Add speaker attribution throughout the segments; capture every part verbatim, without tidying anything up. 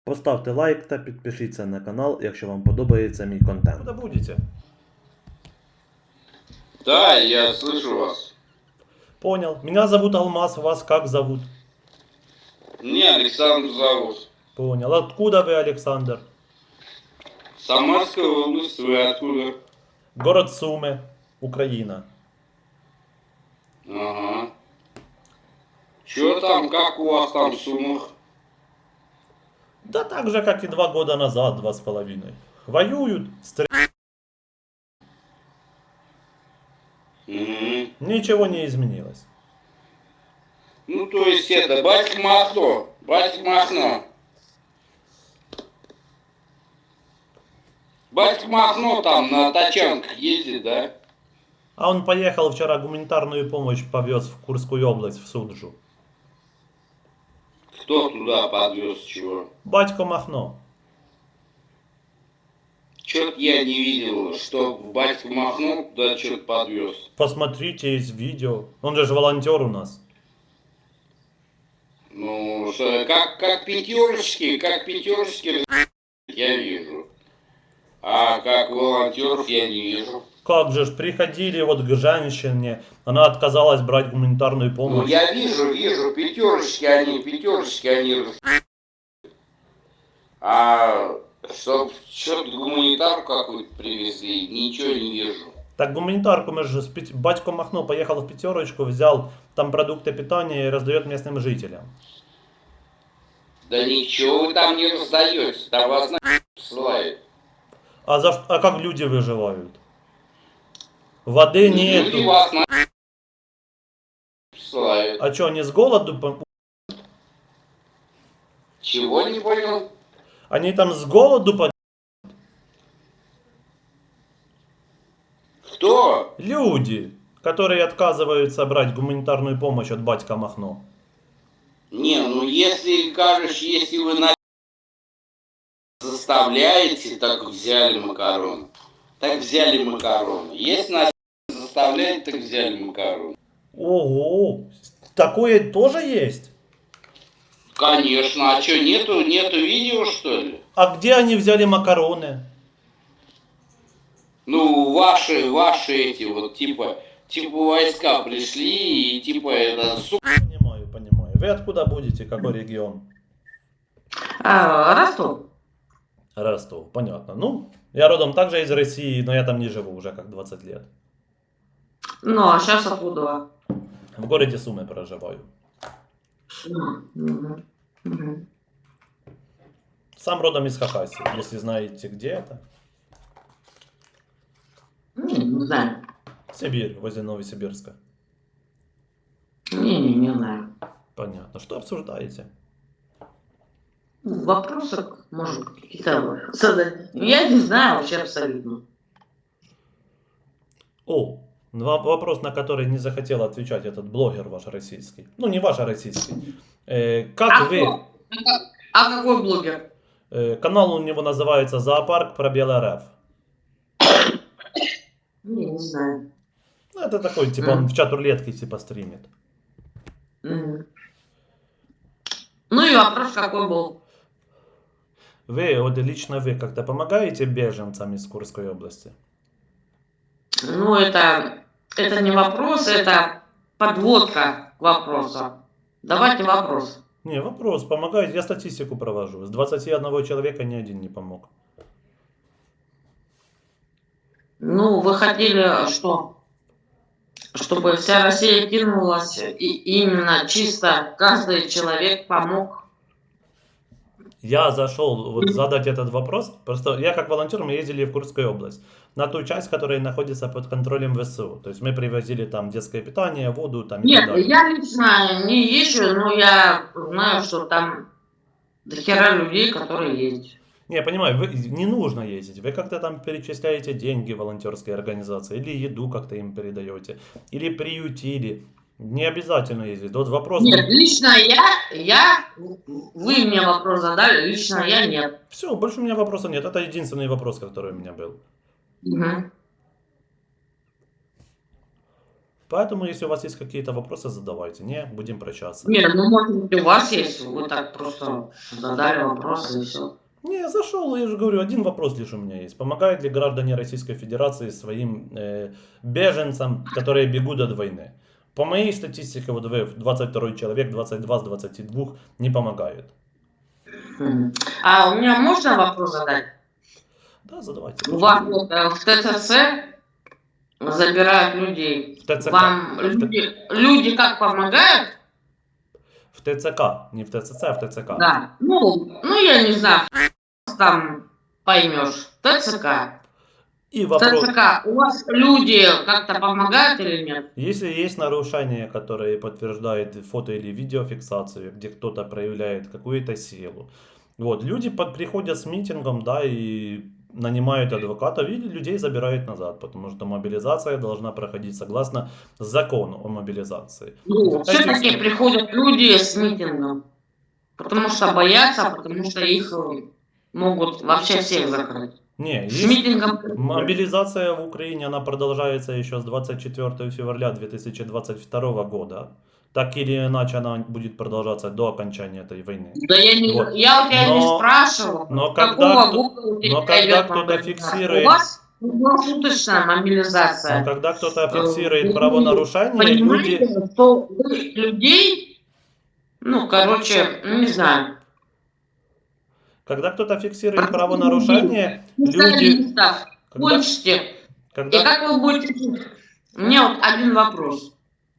Speaker 1: Поставте лайк та підпишіться на канал, якщо вам подобається мій контент. Куда будете?
Speaker 2: Да, я слышу вас.
Speaker 1: Понял. Меня зовут Алмаз, вас как зовут?
Speaker 2: Меня Александр зовут.
Speaker 1: Понял. Откуда вы, Александр?
Speaker 2: Самарская область, вы откуда?
Speaker 1: Город Сумы, Украина.
Speaker 2: Ага. Чё там, как у вас там в Сумах?
Speaker 1: Да так же, как и два года назад, два с половиной. Воюют, стреляют.
Speaker 2: Угу.
Speaker 1: Ничего не изменилось.
Speaker 2: Ну, то есть это, батька Махно, батька Махно. Батька Махно там на тачанках ездит, да?
Speaker 1: А он поехал вчера гуманитарную помощь повез в Курскую область, в Суджу.
Speaker 2: Кто туда подвез чего?
Speaker 1: Батько Махно.
Speaker 2: Чё-то я не видел, что батька Махно туда что-то подвез.
Speaker 1: Посмотрите, есть видео. Он же ж волонтер у нас.
Speaker 2: Ну, что, как, как пятерочки, как пятерочки, я вижу. А как волонтеров я не вижу.
Speaker 1: Как же ж, приходили вот к женщине, она отказалась брать гуманитарную
Speaker 2: Ну,
Speaker 1: помощь.
Speaker 2: я вижу, вижу, пятерочки они, пятерочки они. А чтоб что-то гуманитарку какую-то привезли, ничего не вижу.
Speaker 1: Так гуманитарку мы же, с Пет- батько Махно поехал в пятерочку, взял там продукты питания и раздает местным жителям.
Speaker 2: Да ничего вы там не раздаете, там вас на ссылают.
Speaker 1: А, за, ш- а как люди выживают? Воды
Speaker 2: Люди
Speaker 1: нету.
Speaker 2: вас на ссылают.
Speaker 1: А что, они с голоду? пом-
Speaker 2: Чего не понял?
Speaker 1: Они там с голоду по...
Speaker 2: Кто?
Speaker 1: Люди, которые отказываются брать гуманитарную помощь от батька Махно.
Speaker 2: Не, ну если, кажешь, если вы на заставляете, так взяли макароны. Так взяли макароны. Если нас заставляют, так взяли макароны.
Speaker 1: Ого, такое тоже есть?
Speaker 2: Конечно, а что, нету, нету видео, что ли?
Speaker 1: А где они взяли макароны?
Speaker 2: Ну, ваши, ваши эти вот, типа, типа войска пришли и типа это, сука.
Speaker 1: Понимаю, понимаю. Вы откуда будете? Какой регион?
Speaker 3: А, Ростов.
Speaker 1: Ростов, понятно. Ну, я родом также из России, но я там не живу уже как двадцать лет.
Speaker 3: Ну, а сейчас откуда?
Speaker 1: В городе Сумы проживаю.
Speaker 3: Мгм. Мгм.
Speaker 1: Сам родом из Хакасии, если знаете, где это.
Speaker 3: Не, не знаю.
Speaker 1: Сибирь, возле Новосибирска.
Speaker 3: Не, не, не знаю.
Speaker 1: Понятно. Что обсуждаете?
Speaker 3: Вопросы, может, какие-то задать. Я не знаю вообще абсолютно.
Speaker 1: О, два- вопрос, на который не захотел отвечать этот блогер ваш российский. Ну, не ваш, а российский. Э, как
Speaker 3: А
Speaker 1: вы...
Speaker 3: кто? А какой блогер?
Speaker 1: э, канал у него называется «Зоопарк пробел РФ».
Speaker 3: Не, не знаю.
Speaker 1: Ну, это такой, типа, он в чат рулетки, типа, стримит.
Speaker 3: Мгм. Ну и вопрос какой был?
Speaker 1: Вы, вот лично вы как-то помогаете беженцам из Курской области?
Speaker 3: Ну, это, это не вопрос, это подводка к вопросу. Давайте вопрос.
Speaker 1: Не, вопрос, помогаете? Я статистику провожу. С двадцати одного человека ни один не помог.
Speaker 3: Ну, вы хотели что? Чтобы вся Россия кинулась, и именно чисто каждый человек помог.
Speaker 1: Я зашел вот задать этот вопрос. Просто я как волонтер, мы ездили в Курскую область. На ту часть, которая находится под контролем ВСУ. То есть мы привозили там детское питание, воду там и
Speaker 3: Нет,
Speaker 1: так далее.
Speaker 3: я лично не езжу, но я знаю, что там до хера людей, которые ездят.
Speaker 1: Не, я понимаю, вы, не нужно ездить. Вы как-то там перечисляете деньги волонтерской организации, или еду как-то им передаете, или приютили. Не обязательно ездить. Вот вопрос...
Speaker 3: Нет, лично я, я, вы мне вопрос задали, лично я нет.
Speaker 1: Все, больше у меня вопроса нет. Это единственный вопрос, который у меня был.
Speaker 3: Угу.
Speaker 1: Поэтому, если у вас есть какие-то вопросы, задавайте. Не, будем прощаться.
Speaker 3: Не, ну может быть у вас есть, вы так просто задали вопросы и все.
Speaker 1: Не, зашел, я же говорю, один вопрос лишь у меня есть. Помогают ли граждане Российской Федерации своим э, беженцам, которые бегут от войны? По моей статистике, вот вы, двадцать второй человек, двадцать два с двадцати двух не помогают.
Speaker 3: Мгм. А у меня можно вопрос задать?
Speaker 1: Да, задавайте.
Speaker 3: У вас вот, э, в ТЦЦ забирают людей.
Speaker 1: В ТЦК.
Speaker 3: Вам
Speaker 1: В Т-
Speaker 3: люди, люди как помогают?
Speaker 1: В ТЦК, не в ТЦЦ, а в ТЦК.
Speaker 3: Да. Ну, ну я не знаю, там поймешь. ТЦК.
Speaker 1: И
Speaker 3: В
Speaker 1: вопрос,
Speaker 3: ТЦК у вас люди как-то помогают или нет?
Speaker 1: если есть нарушения, которые подтверждают фото или видеофиксацию, где кто-то проявляет какую-то силу, вот, люди под- приходят с митингом, да, и нанимают адвокатов, и людей забирают назад, потому что мобилизация должна проходить согласно закону о мобилизации.
Speaker 3: Ну,
Speaker 1: Эти
Speaker 3: все-таки
Speaker 1: все-
Speaker 3: приходят люди с митингом. Потому что боятся, потому что их э, могут вообще всех закрыть.
Speaker 1: Не,
Speaker 3: С
Speaker 1: есть
Speaker 3: митингом...
Speaker 1: мобилизация в Украине, она продолжается еще с двадцать четвёртого февраля две тысячи двадцать второго года. Так или иначе она будет продолжаться до окончания этой войны.
Speaker 3: Да я, не,
Speaker 1: Вот.
Speaker 3: я у тебя не
Speaker 1: Но-
Speaker 3: спрашивал,
Speaker 1: но
Speaker 3: какого
Speaker 1: когда кто-
Speaker 3: года у тебя
Speaker 1: но когда
Speaker 3: идет
Speaker 1: кто-то
Speaker 3: мобилизация.
Speaker 1: фиксирует-
Speaker 3: У вас круглосуточная мобилизация.
Speaker 1: Но когда кто-то
Speaker 3: Э,
Speaker 1: фиксирует
Speaker 3: вы
Speaker 1: правонарушение,
Speaker 3: Понимаете,
Speaker 1: люди...
Speaker 3: что вы людей, ну, короче, ну, не знаю,
Speaker 1: Когда кто-то фиксирует правонарушение, люди...
Speaker 3: специалистов
Speaker 1: Когда,
Speaker 3: кончите. И
Speaker 1: когда...
Speaker 3: как вы будете жить? У меня вот один вопрос.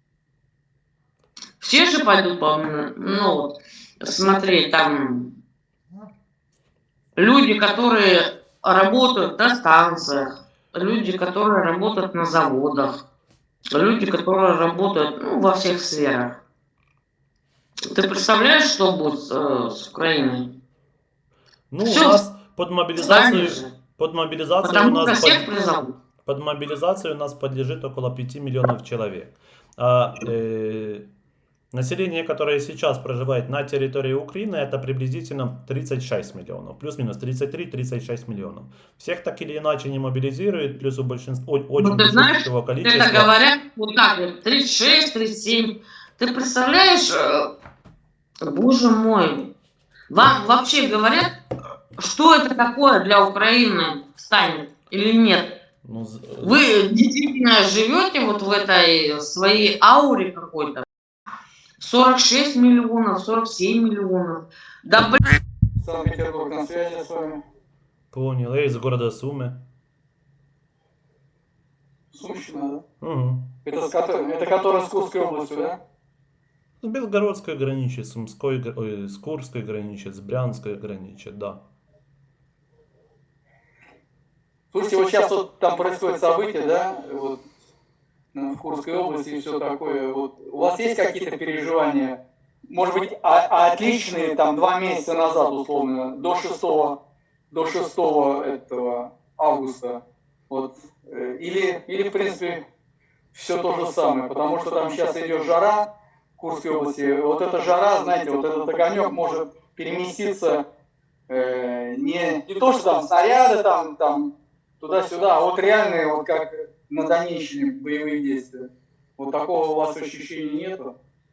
Speaker 3: Все же пойдут, по ну, вот, смотреть там люди, которые работают на станциях, люди, которые работают на заводах, люди, которые работают ну, во всех сферах. Ты представляешь, что будет э, с Украиной?
Speaker 1: Ну,
Speaker 3: Всё,
Speaker 1: у нас под мобилизацию...
Speaker 3: Сами же.
Speaker 1: Под мобилизацию у
Speaker 3: Потому что
Speaker 1: нас...
Speaker 3: всех
Speaker 1: под-
Speaker 3: призовут.
Speaker 1: Под мобилизацию у нас подлежит около пяти миллионов человек. А э, население, которое сейчас проживает на территории Украины, это приблизительно тридцать шесть миллионов. Плюс-минус тридцать три - тридцать шесть миллионов. Всех так или иначе не мобилизируют, плюс у большинства о- очень
Speaker 3: Ну, ты знаешь,
Speaker 1: большого
Speaker 3: Это
Speaker 1: количества.
Speaker 3: говорят вот так вот, тридцать шесть, тридцать семь. Ты представляешь, э, боже мой, вам вообще говорят, что это такое для Украины станет или нет?
Speaker 1: Ну, з-
Speaker 3: Вы действительно живете вот в этой своей ауре какой-то? сорок шесть миллионов, сорок семь миллионов. Да блин,
Speaker 4: Санкт-Петербург на связи с вами.
Speaker 1: Понял, я из города Сумы.
Speaker 4: Сумщина, да?
Speaker 1: Угу.
Speaker 4: Это, с которой, это которая с Курской областью, да?
Speaker 1: С Белгородской граничит, с Сумской, гра- ой, с Курской граничит, с Брянской граничит, да.
Speaker 4: Слушайте, вот сейчас вот там происходят события, да, вот ну, в Курской области и все такое. Вот у вас есть какие-то переживания? Может быть, а- а отличные там два месяца назад, условно, до шестого, до шестого этого августа. Вот. э, Или, или, в принципе, все то же самое, потому что там сейчас идет жара в Курской области. Вот эта жара, знаете, вот этот огонек может переместиться э, не, не то, что там снаряды там, там туда-сюда, а вот реальные, вот как на Донеччине боевые действия. Вот такого у вас ощущения нету?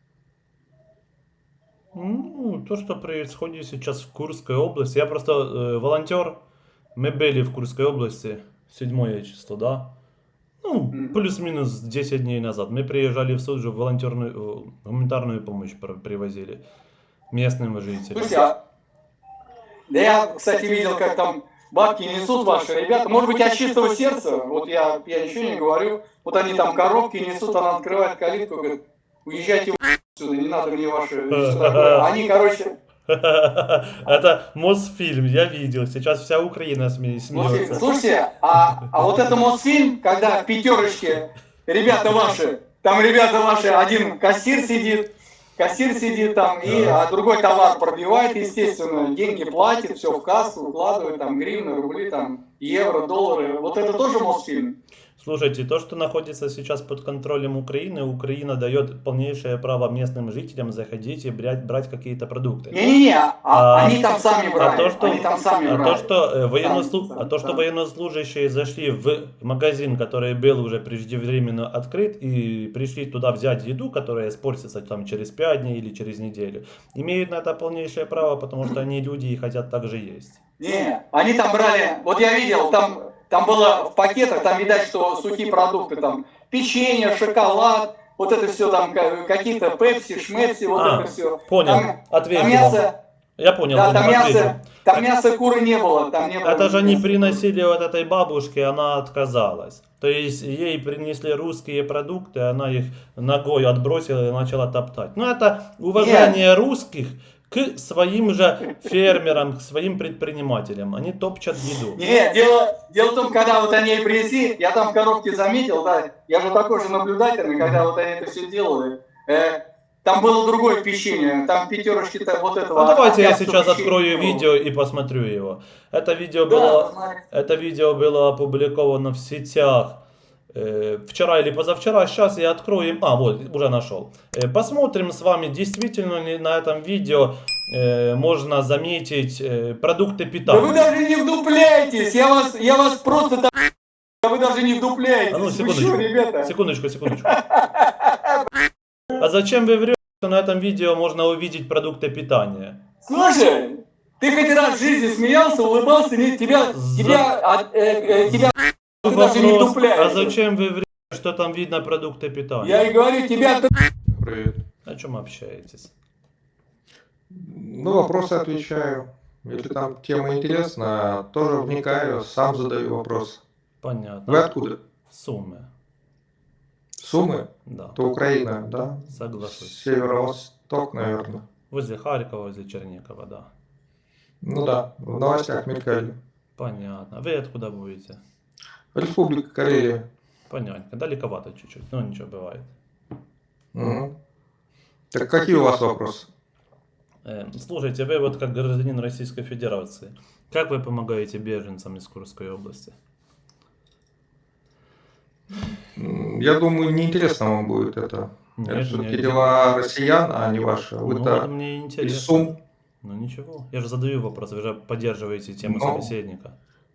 Speaker 1: Ну, то, что происходит сейчас в Курской области. Я просто э, волонтер. Мы были в Курской области седьмое число, да? Ну,
Speaker 4: Мгм.
Speaker 1: плюс-минус десять дней назад. Мы приезжали в Суджу, волонтерную, э, гуманитарную помощь про- привозили местным жителям.
Speaker 4: Слушайте, а да я, кстати, видел, как там бабки несут ваши ребята. Может быть, от чистого сердца, вот я, я ничего не говорю, вот они там коробки несут, она открывает калитку, говорит, уезжайте в отсюда, не надо мне ваши... всё такое. Они, короче,
Speaker 1: Это Мосфильм, я видел. Сейчас вся Украина сме-
Speaker 4: слушайте,
Speaker 1: смеется.
Speaker 4: слушайте, а, а вот это Мосфильм, когда в пятерочке ребята ваши, там ребята ваши, один кассир сидит, кассир сидит там, и а другой товар пробивает, естественно, деньги платит, все в кассу укладывает, там гривны, рубли, там евро, доллары. Вот это тоже Мосфильм?
Speaker 1: Слушайте, то, что находится сейчас под контролем Украины, Украина дает полнейшее право местным жителям заходить и брать, брать какие-то продукты.
Speaker 4: Не-не-не, а,
Speaker 1: А-
Speaker 4: они там сами брали.
Speaker 1: А то, что,
Speaker 4: они там сами
Speaker 1: а
Speaker 4: брали.
Speaker 1: то, что, э, военнослу-
Speaker 4: Сам,
Speaker 1: а то, что
Speaker 4: сам.
Speaker 1: военнослужащие зашли в магазин, который был уже преждевременно открыт, и пришли туда взять еду, которая испортится там через пять дней или через неделю, имеют на это полнейшее право, потому что они люди и хотят также есть.
Speaker 4: Не, они там брали, вот я видел, там, там было в пакетах, там видать, что сухие продукты, там печенье, шоколад, вот это все там, ка- какие-то пепси, шмепси, вот
Speaker 1: А,
Speaker 4: это все.
Speaker 1: Понял,
Speaker 4: Там,
Speaker 1: ответил.
Speaker 4: там мясо,
Speaker 1: Я понял,
Speaker 4: да,
Speaker 1: понял,
Speaker 4: там
Speaker 1: ответил.
Speaker 4: мясо, там мяса куры не было, там не было.
Speaker 1: Это же они
Speaker 4: мяса.
Speaker 1: приносили вот этой бабушке, она отказалась. То есть ей принесли русские продукты, она их ногой отбросила и начала топтать. Ну это уважение русских к своим же фермерам, к своим предпринимателям. Они топчат еду.
Speaker 4: Не, дело, дело в том, когда вот они ей принесли, я там в коробке заметил, да, я же такой же наблюдательный, когда вот они это все делали. Э, там было другое печенье, там пятерочки-то вот этого.
Speaker 1: А давайте я
Speaker 4: армянского
Speaker 1: сейчас
Speaker 4: печенья
Speaker 1: открою
Speaker 4: не было.
Speaker 1: видео и посмотрю его. Это видео
Speaker 4: Да,
Speaker 1: было,
Speaker 4: посмотрите.
Speaker 1: это видео было опубликовано в сетях э, вчера или позавчера. Сейчас я открою. А, вот, уже нашел. Э, посмотрим с вами, действительно ли на этом видео э, можно заметить э, продукты
Speaker 4: Да
Speaker 1: питания.
Speaker 4: вы даже не вдупляетесь, я вас, я вас просто так... Да вы даже не вдупляетесь.
Speaker 1: А ну,
Speaker 4: Вы
Speaker 1: секундочку.
Speaker 4: что, ребята?
Speaker 1: Секундочку, секундочку. А зачем вы врете, что на этом видео можно увидеть продукты питания?
Speaker 4: Слушай, ты хоть раз в жизни смеялся, улыбался, не, тебя,
Speaker 1: За-
Speaker 4: тебя, а, э, э, тебя, ты даже не
Speaker 1: Вопрос, а
Speaker 4: вдупляешься.
Speaker 1: зачем вы врете, что там видно продукты питания?
Speaker 4: Я и говорю, тебя...
Speaker 5: Привет.
Speaker 1: О чем общаетесь?
Speaker 5: Ну, вопросы отвечаю. Если там тема интересна, тоже вникаю, сам задаю вопрос.
Speaker 1: Понятно.
Speaker 5: Вы откуда?
Speaker 1: Суммы.
Speaker 5: Сумы?
Speaker 1: Да.
Speaker 5: Это Украина, да?
Speaker 1: Соглашусь.
Speaker 5: Северо-восток, наверное.
Speaker 1: Возле Харькова, возле Чернигова, да.
Speaker 5: Ну да, в новостях мелькали.
Speaker 1: Понятно. Вы откуда будете?
Speaker 5: Республика Карелия.
Speaker 1: Понятно. Далековато чуть-чуть, но ничего, бывает.
Speaker 5: Мгм. Так какие у вас вопросы?
Speaker 1: Э, слушайте, вы вот как гражданин Российской Федерации, как вы помогаете беженцам из Курской области?
Speaker 5: М, Я думаю, неинтересно вам будет это.
Speaker 1: Нет,
Speaker 5: Это все-таки
Speaker 1: мне-
Speaker 5: дела россиян, а не ваши.
Speaker 1: Ну,
Speaker 5: Вы-то
Speaker 1: вот мне
Speaker 5: из
Speaker 1: интересно.
Speaker 5: Сум.
Speaker 1: Ну ничего, я же задаю вопрос, вы же поддерживаете тему
Speaker 5: Ну.
Speaker 1: собеседника.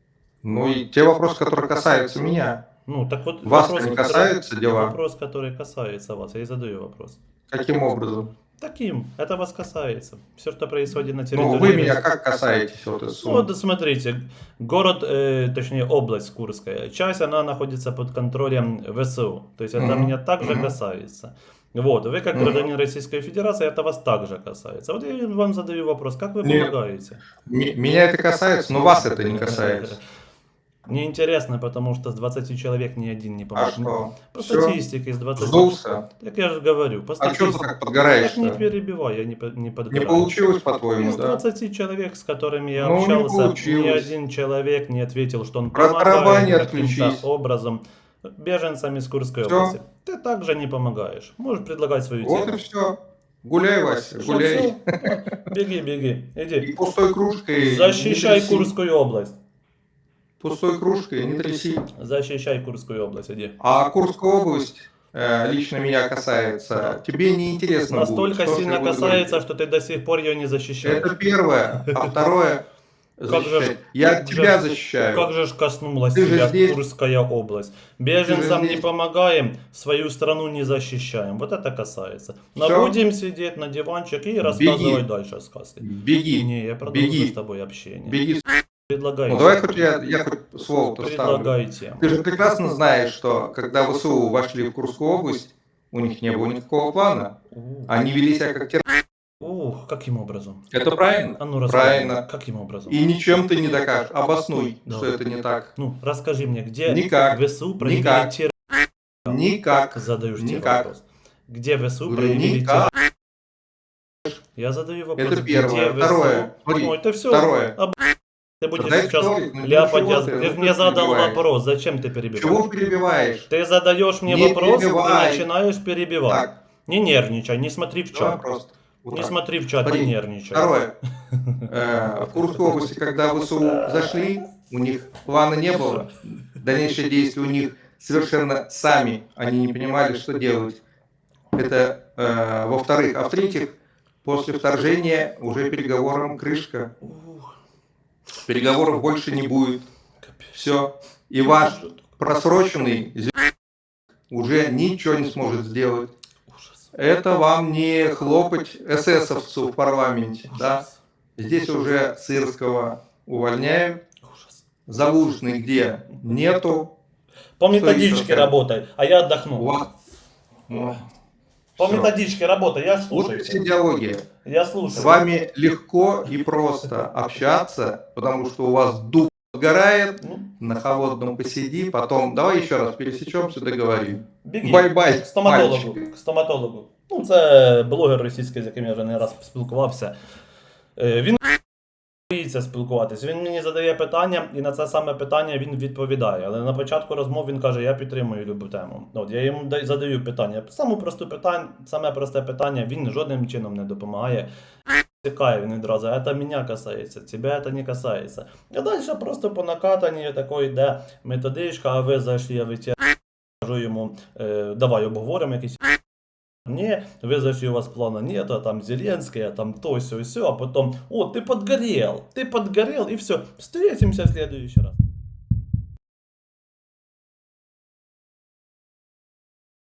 Speaker 5: Ну и те вопросы, которые касаются меня.
Speaker 1: Ну, так вот,
Speaker 5: Вас-то
Speaker 1: вопрос,
Speaker 5: не
Speaker 1: который-
Speaker 5: касаются дела?
Speaker 1: Вопрос, который касается вас, я и задаю вопрос.
Speaker 5: Каким образом?
Speaker 1: Таким, это вас касается. Все, что происходит на территории...
Speaker 5: Ну, вы меня
Speaker 1: России.
Speaker 5: как касаетесь вот из
Speaker 1: Ну,
Speaker 5: Сум?
Speaker 1: вот смотрите, город, э, точнее область Курская, часть она находится под контролем ВСУ, то есть это
Speaker 5: Мгм.
Speaker 1: меня также
Speaker 5: Мгм.
Speaker 1: касается. Вот, вы как
Speaker 5: Мгм.
Speaker 1: гражданин Российской Федерации, это вас также касается. Вот я вам задаю вопрос, как вы
Speaker 5: Нет.
Speaker 1: помогаете?
Speaker 5: М- Меня это касается, но вас это не касается.
Speaker 1: Мне интересно, потому что с двадцати человек ни один не
Speaker 5: А
Speaker 1: поможет.
Speaker 5: что?
Speaker 1: По
Speaker 5: Всё?
Speaker 1: статистике из двадцати.
Speaker 5: Сдулся?
Speaker 1: Так я же говорю, по
Speaker 5: А что ты
Speaker 1: статистике.
Speaker 5: так
Speaker 1: Так не
Speaker 5: подгораешь-то?
Speaker 1: перебивай, я не, по- не
Speaker 5: Не
Speaker 1: подгораю.
Speaker 5: получилось, по-твоему,
Speaker 1: Из
Speaker 5: да?
Speaker 1: двадцати человек, с которыми я
Speaker 5: Ну, не
Speaker 1: общался, ни
Speaker 5: получилось.
Speaker 1: один человек не ответил, что он
Speaker 5: Раздробай, не
Speaker 1: помогает каким-то
Speaker 5: отключись.
Speaker 1: образом беженцам из Курской
Speaker 5: Всё.
Speaker 1: области. Ты также не помогаешь. Можешь предлагать свою
Speaker 5: Вот и
Speaker 1: тему.
Speaker 5: все. Гуляй, Вася,
Speaker 1: Всё,
Speaker 5: гуляй.
Speaker 1: всё. Беги, беги, иди.
Speaker 5: И пустой кружкой
Speaker 1: Защищай
Speaker 5: не тряси.
Speaker 1: Курскую область.
Speaker 5: Пустой кружкой не тряси.
Speaker 1: Защищай Курскую область, иди.
Speaker 5: А Курская область э, лично меня касается. Тебе не интересно
Speaker 1: Настолько
Speaker 5: будет, что
Speaker 1: сильно
Speaker 5: я буду
Speaker 1: касается,
Speaker 5: говорить.
Speaker 1: что ты до сих пор ее не защищаешь.
Speaker 5: Это первое. А второе...
Speaker 1: Как же ж-
Speaker 5: защищать. Я
Speaker 1: как же
Speaker 5: тебя
Speaker 1: ж-
Speaker 5: защищаю.
Speaker 1: Как же ж коснулась
Speaker 5: Ты же
Speaker 1: тебя
Speaker 5: здесь.
Speaker 1: Курская область. Беженцам
Speaker 5: Ты же
Speaker 1: не
Speaker 5: здесь.
Speaker 1: помогаем, свою страну не защищаем. Вот это касается. Но
Speaker 5: Всё.
Speaker 1: будем сидеть на диванчике и рассказывать дальше сказки.
Speaker 5: Беги.
Speaker 1: Не, я продолжу
Speaker 5: Беги.
Speaker 1: с тобой общение.
Speaker 5: Беги.
Speaker 1: Предлагай.
Speaker 5: Ну давай хоть я, я хоть слово-то ставлю.
Speaker 1: Предлагай тему.
Speaker 5: Ты же прекрасно знаешь, что когда ВСУ вошли в Курскую область, у них не было никакого плана.
Speaker 1: Ух,
Speaker 5: Они вели себя как террористы.
Speaker 1: Ух, каким образом?
Speaker 5: Это правильно?
Speaker 1: А ну расскажи.
Speaker 5: Правильно.
Speaker 1: Каким образом?
Speaker 5: И ничем ты не докажешь. Обоснуй,
Speaker 1: Да.
Speaker 5: что это не так.
Speaker 1: Ну, расскажи мне, где
Speaker 5: Никак.
Speaker 1: ВСУ проявили
Speaker 5: Никак.
Speaker 1: террор?
Speaker 5: Никак.
Speaker 1: Задаешь тебе
Speaker 5: Никак.
Speaker 1: вопрос. Где ВСУ
Speaker 5: Говорю,
Speaker 1: проявили
Speaker 5: никак.
Speaker 1: террор? Я задаю вопрос.
Speaker 5: Это первое.
Speaker 1: Где
Speaker 5: Второе.
Speaker 1: ВСУ?
Speaker 5: Смотри,
Speaker 1: Ну, это все.
Speaker 5: второе.
Speaker 1: Ты будешь
Speaker 5: Дай
Speaker 1: сейчас
Speaker 5: второй, ну,
Speaker 1: ляпать.
Speaker 5: ничего
Speaker 1: я-
Speaker 5: ты,
Speaker 1: Ты,
Speaker 5: ну,
Speaker 1: же
Speaker 5: ты
Speaker 1: мне задал
Speaker 5: перебиваешь.
Speaker 1: вопрос. Зачем ты перебиваешь?
Speaker 5: Чего перебиваешь?
Speaker 1: Ты задаешь мне
Speaker 5: Не
Speaker 1: вопрос
Speaker 5: перебивай.
Speaker 1: и начинаешь перебивать.
Speaker 5: Так,
Speaker 1: Не нервничай, не смотри в
Speaker 5: давай
Speaker 1: чат.
Speaker 5: просто. Вот
Speaker 1: Не
Speaker 5: так.
Speaker 1: смотри в чат,
Speaker 5: Смотри,
Speaker 1: не нервничай.
Speaker 5: Второе. Э, В Курской области, когда ВСУ зашли, у них плана не было, дальнейшие действия у них совершенно сами, они не понимали, что делать. Это э, во-вторых. А в-третьих, после вторжения уже переговорам крышка. Переговоров больше не будет. Все. И ваш просроченный уже ничего не сможет сделать. Это вам не хлопать эсэсовцу в парламенте, да? Здесь уже Сырского увольняем. Залужный где? Нету.
Speaker 1: По
Speaker 5: Что еще
Speaker 1: методичке
Speaker 5: сказать?
Speaker 1: работай, а я отдохну.
Speaker 5: Вот. Ну,
Speaker 1: По
Speaker 5: всё.
Speaker 1: методичке работай, я
Speaker 5: Вот
Speaker 1: слушаю.
Speaker 5: и идеология.
Speaker 1: Я слушаю.
Speaker 5: С вами легко и просто общаться, потому что у вас дух сгорает,
Speaker 1: Ну,
Speaker 5: на холодном посиди, потом давай еще раз пересечемся, договорим.
Speaker 1: біги.
Speaker 5: Бай-бай,
Speaker 1: К стоматологу.
Speaker 5: мальчик.
Speaker 1: К стоматологу. Ну, це блогер російський, з яким я вже не раз спілкувався. Е, Він боїться спілкуватись. Він мені задає питання, і на це саме питання він відповідає. Але на початку розмов він каже, я підтримую любу тему. От, я йому дай- задаю питання. Саме просте питання, саме просте питання, він жодним чином не допомагає. Тікає він відразу, це мене касається, тебе це не касається. А далі просто по накатанні такої йде методичка, а ви зайшли, я витягну, кажу йому, е, давай обговоримо якісь. Не, вы зашли, у вас плана нет, а там Зеленский, а там то, все, все, а потом, о, ты подгорел, ты подгорел, и все, встретимся в следующий раз.